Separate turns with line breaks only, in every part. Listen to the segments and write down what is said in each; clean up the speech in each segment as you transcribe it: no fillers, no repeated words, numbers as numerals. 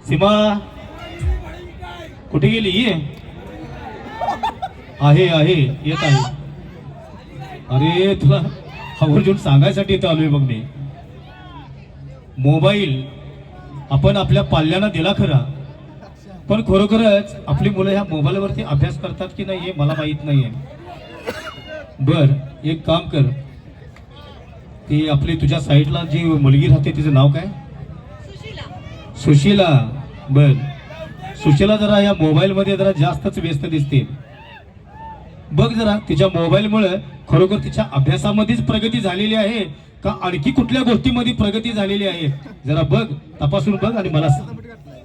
सीमा कुठे गेली? आहे आहे येत आहे. अरे तुला आवर्जून सांगायसाठी इथं आलोय बघ मी. मोबाईल आपण आपल्या पाल्यांना दिला खरा, पण खरोखरच आपली मुलं ह्या मोबाईलवरती अभ्यास करतात की नाही हे मला माहित नाहीये. बर एक काम कर, ती आपली तुझ्या साईडला जी मुलगी राहते तिचं नाव काय? सुशीला. बर सुशीला जरा या मोबाईल मध्ये जरा जास्तच व्यस्त दिसते. बघ जरा तिच्या मोबाईलमुळे खरोखर तिच्या अभ्यासामध्येच प्रगती झालेली आहे का आणखी कुठल्या गोष्टीमध्ये प्रगती झालेली आहे जरा बघ, तपासून बघ आणि मला सांग.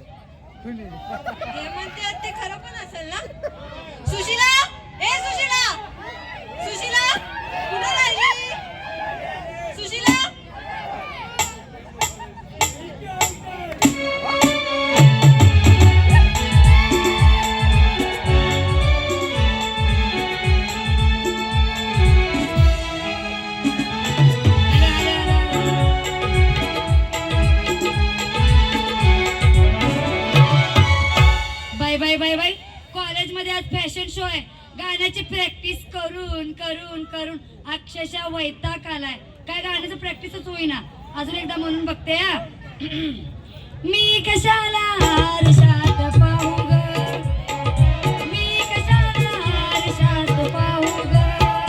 बाय कॉलेजमध्ये आज फॅशन शो आहे. गाण्याची प्रॅक्टिस करून करून करून अक्षरशः वैताग आलाय. काय गाण्याचं प्रॅक्टिसच होईना. अजून एकदा म्हणून बघते हा. मी कशाला आरशात पाहू ग, मी कशाला आरशात पाहू ग,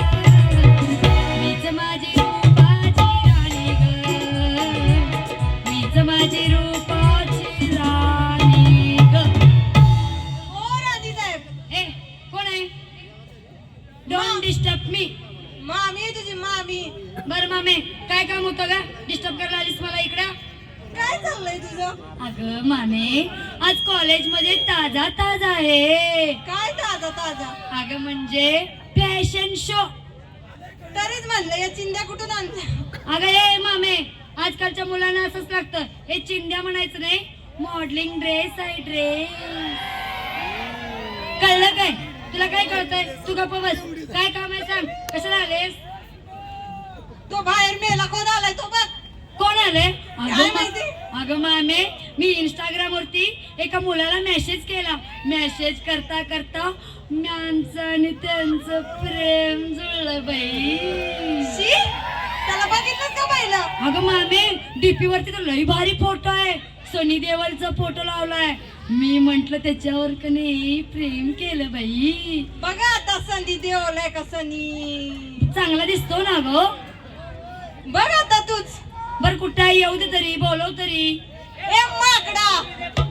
मीच माझी रूपाची राणी ग, मीच माझी रूपाची राणी ग. Don't disturb me.
मामी तुझी मामी.
बर मामे काय काम होतं का डिस्टर्ब करायला आलीस मला इकडं?
काय चाललंय तुझं?
अगं मामे आज कॉलेज मध्ये ताजा ताजा आहे.
काय ताजा ताजा?
अगं म्हणजे फॅशन शो.
तरीच म्हणलं या चिंध्या कुठून आणल्या?
अगं हे मामे आजकालच्या मुलांना असंच लागतं. हे चिंध्या म्हणायचं नाही, मॉडेलिंग ड्रेस आहे ड्रेस. कळलं काय? तुला काय कळतंय? तू गप्प बस. काय काम आहे सांग, कशाला आलेस?
तो बाहेर मेला कोण आलाय तो बघ.
कोण आले?
काय माहिती?
अगं मामे मी इंस्टाग्राम वरती एका मुलाला मेसेज केला. मेसेज करता करता माझं आणि त्यांचं प्रेम जुळलं बाई.
शी, त्याला बघितलं का पाहिलं?
अगं मामे डीपी वरती तर लई भारी फोटो आहे. सनी देओलचा फोटो लावलाय. मी म्हंटल त्याच्यावर का नाही प्रेम केलं बाई.
बघा आता संधी देवलाय का सनी.
चांगला दिसतो ना गो.
बघ आता तूच.
बर कुठं येऊ दे तरी, बोलव तरी.
ए माकडा.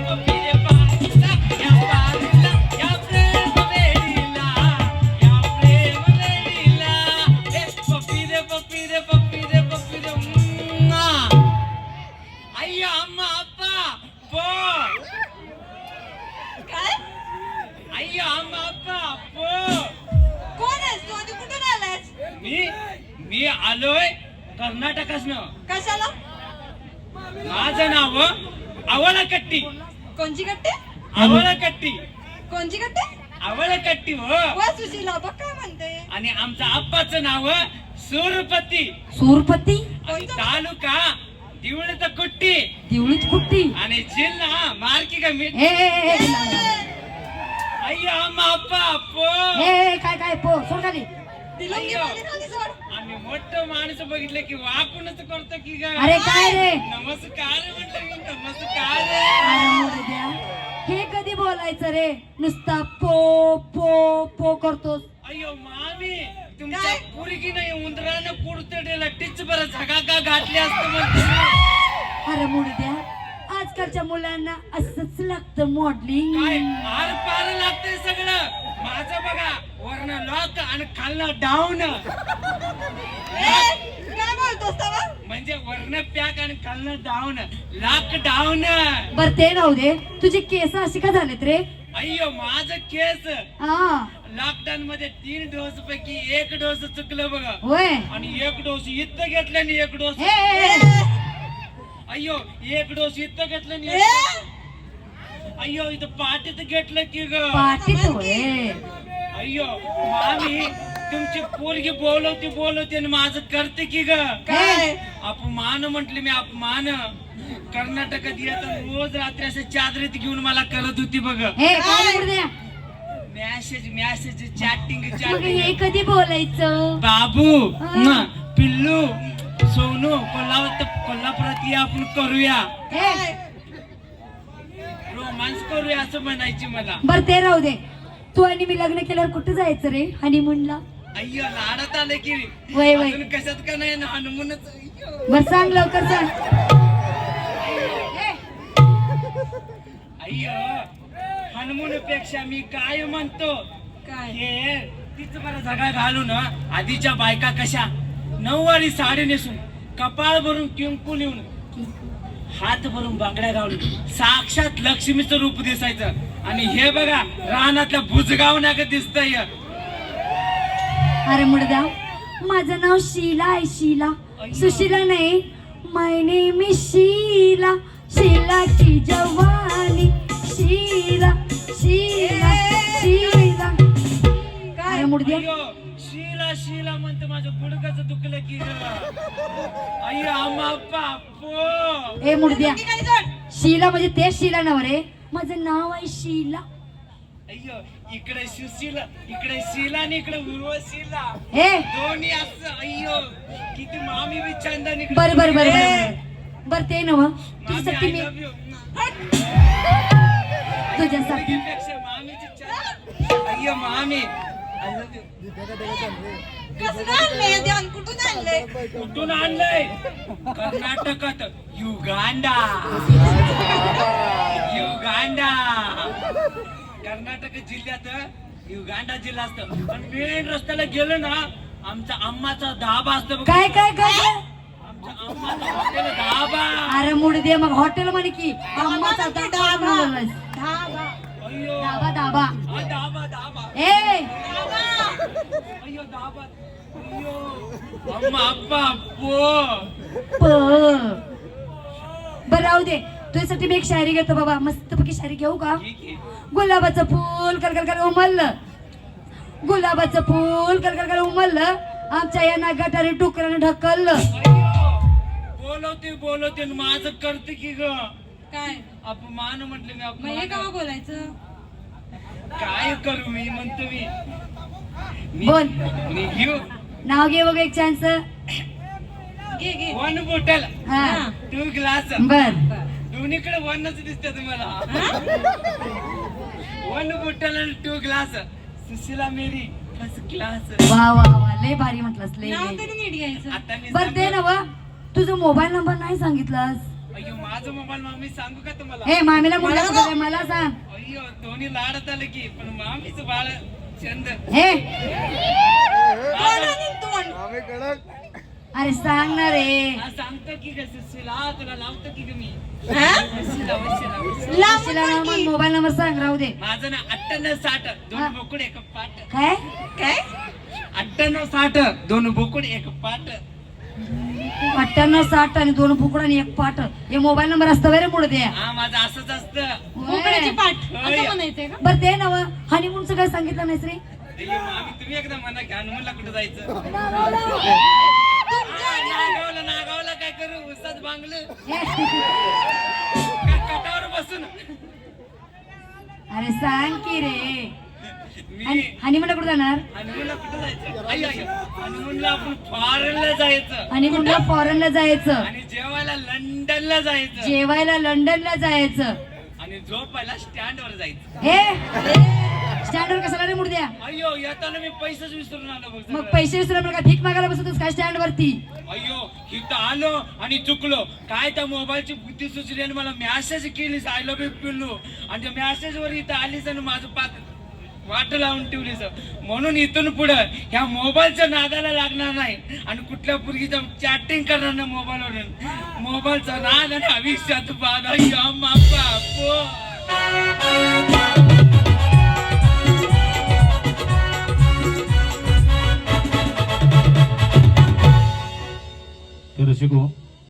कोण आहेस तू आणि कुठून आलायस?
मी आलोय कर्नाटकासनं.
कशाला?
माझं नाव आवळकट्टी.
कोणची गट्टे?
आवळकट्टी.
कोणची गट्टे?
आवळकट्टी हो.
वा सुशीला बघ काय म्हणते.
आणि आमच्या आप्पाचं नाव सूरपती.
सूरपती.
आणि तालुका दिवळीत कुट्टी.
दिवळीत कुट्टी.
आणि जिल्हा मार्की का मीठ. अय्यो अम्मा अप्पा अप्पो.
काय काय पो सोड खाली.
तिला
अय्यो.
खाली सोड.
आम्ही मोठं माणूस बघितलं की वाकूनच करतो की ग.
अरे काय रे?
नमस्कार म्हटलं की नमस्कार.
अरे मुलं द्या. हे कधी बोलायचं रे? नुसता पो पो पो करतोस.
अय्यो मामी तुमच्या
काय?
पुरी की नाही उंदरानं कुडतडेला टिच बरं झगा का घातली असतं म्हणते.
अरे मुलं द्या आजकालच्या मुलांना असंच लागतं मॉडेलिंग.
काय आर पार लागतंय सगळं. माझं बघा वरनं लॉक आणि खालनं डाऊन.
काय बोलतोस तवा?
म्हणजे वरनं पॅक आणि खालनं डाऊन. Lock down.
बर ते राहू दे. तुझे केस अशी का झालेत रे?
अय्यो माझं केस
हा
लॉकडाऊन मध्ये 3 डोस पैकी 1 डोस चुकलं बघा.
होय.
आणि 1 डोस इथं घेतलं आणि 1 डोस. अय्यो 1 डोस इथं घेतलं आणि अय्यो इथं पाठीत घेतलं की ग.
पाटीत होय.
अय्यो मामी तुमची पोरगी बोलवते आणि माझं करते की ग
काय
अपमान म्हटले मी अपमान. कर्नाटकात येत रोज रात्री असं चादरीत घेऊन मला करत होती बघ.
हे काय मुर्द्या
मॅसेज चॅटिंग
मग हे कधी बोलायचं
बाबू
हा.
पिल्लू सोनू कोल्हापुरात ये आपण करूया
हे
रोमांस करूया असं म्हणायची मला.
बर ते राहू दे. तू आणि मी लग्न केल्यावर कुठं जायचं रे हनीमूनला?
अय्यो लाडात आलं की
वय वय.
अजून कशात का नाही ना हनुमानच.
बर सांग लवकर सांग.
अय्यो हनुमान पेक्षा मी काय म्हणतो
काय
हे तीच बरं झगा घालून आधीच्या बायका कशा नऊवारी साडी नेसून कपाळ भरून कुंकू लिहून हात भरून बांगड्या घालून साक्षात लक्ष्मीचं रूप दिसायचं. आणि हे बघा रानातल्या बुजगावण्या दिसतंय.
अरे मुर्दा माझं नाव शीला आहे. शीला सुशीला नाही. My name is Sheela. Sheela की जवानी. शीला शीला शीला. अरे मुर्द्या
अय्यो शीला शीला म्हणते माझं गुडघाचं दुखलं की ग. अय्यो आम्हा बापो.
ए मुर्द्या
ती काय जोड
शीला म्हणजे तेच शीला नाव रे. माझं नाव आहे शीला.
अय्यो इकडे सुशीला इकडे शीला आणि इकडे उर्वशीला
हे
दोन्ही असं. अय्यो किती मामी बी छंद
बर बर बर बर बर ते नव तुझ्यासाठी मी तुझ्यासाठी
मामीची छंद. अय्यो मामी I love you.
कसं आणलंय ध्यान कुठून आणलंय
कुठून आणलंय? कर्नाटकात युगांडा. युगांडा कर्नाटक जिल्ह्यात युगांडा जिल्हा असतं. पण मेन रस्त्याला गेलो ना आमचा अम्माचा धाबा असतो बघ.
काय काय काय
आमच्या अम्माचा हॉटेल धाबा.
अरे मुर्द्या मग हॉटेल म्हणे की अम्माचा
धाबा.
बोललास.
धाबा
अय्यो
धाबा धाबा.
हा, धाबा धाबा.
ए
अय्यो धाबा. अय्यो अम्मा अप्पा पो.
बर राहू दे. तुझ्यासाठी मी एक शायरी घेतो बाबा. मस्तपैकी शायरी घेऊ का?
ठीक आहे.
गुलाबाचं फूल कर कर कर उमललं. गुलाबाचं फूल कर कर कर उमललं. आमच्या यांना गटारी टुकऱ्याने ढकललं.
बोलवते आणि माझं करते की ग.
काय
अपमान म्हटले मी
मग हे
अपमान.
केव्हा बोलायचं
काय करू मी म्हणतो मी
बोल.
मी घेऊ
नाव घे बघ एक चान्स.
घे घे
1 बॉटल
हा
2 ग्लास.
बर
दोन्हीकडे 1च दिसते तुम्हाला. 1 बॉटल आणि 2 ग्लास. सुशीला मेरी फर्स्ट क्लास.
वा वा वा लय भारी म्हटलंस लय
नाव
लय.
तरी नीट घ्यायचं
आता मी
बर ते नव तुझा मोबाईल नंबर नाही सांगितलास.
अय्यो माझा मोबाईल मामी सांगू का तुम्हाला?
हे मामीला मुलं मला सांग.
अय्यो दोन्ही लाडत आलं की पण मामीचं बाळ चंद.
हे
तोंड आणि तोंड
अरे सांग ना रे.
हा, सांगतो की ग सुशीला तुला लावतो की ग मी.
हा?
वशिला, वशिला, वशिला.
लांबून
तुला
बोल की.
मोबाईल नंबर सांग राहू दे.
माझं ना 98-60
हा.
2 बोकुड 1 पाट.
काय
काय
98-60 2 बोकुड 1 पाट.
98-60 आणि 2 फुकड आणि 1 पाट. हे मोबाईल नंबर असतं रे मुळे द्या.
हा माझं असंच असतं.
मोकळ्याची पाठ
होय.
असं म्हणायचंय का
बर ते नव हनीमूनचं काय सांगितलं नाहीस रे.
अय्यो मामी तुम्ही एकदा म्हणा की हनुमानला कुठं जायचं? नागावला काय करू उसात बांगलं का कटावर बसून.
अरे सांग की रे.
मी
हनीमूनला कुठं जाणार?
हनुमानला कुठं जायचं? अय्यो हनुमानला आपण फॉरेनला जायचं
हनीमूनला फॉरेनला जायचं.
आणि जेवायला लंडनला जायचं
जेवायला लंडनला जायचं.
आणि झोपायला स्टँडवर जायचं.
हे स्टँडवर कशाला रे मुर्द्या?
अय्यो येताना मी पैसेच विसरून आलो बघ
मग
सगळं.
पैसे विसरून काय भीक मागायला बसतोस काय स्टँड वरती?
अय्यो इथं आलो आणि चुकलो काय त्या मोबाईलची बुद्धी सुचली आणि मला मॅसेज केलीस आय लव्ह यू पिल्लू. आणि त्या मॅसेज वर इथं आलीस आणि माझं वाट लावून ठेवलीस. म्हणून इथून पुढं ह्या मोबाईलच्या नादाला लागणार नाही आणि कुठल्या पुरगीचं चॅटिंग करणार नाही मोबाईलवरून. मोबाईलचा नाद आणि आयुष्यात बाद. अय्यो बापा.
तर रसिको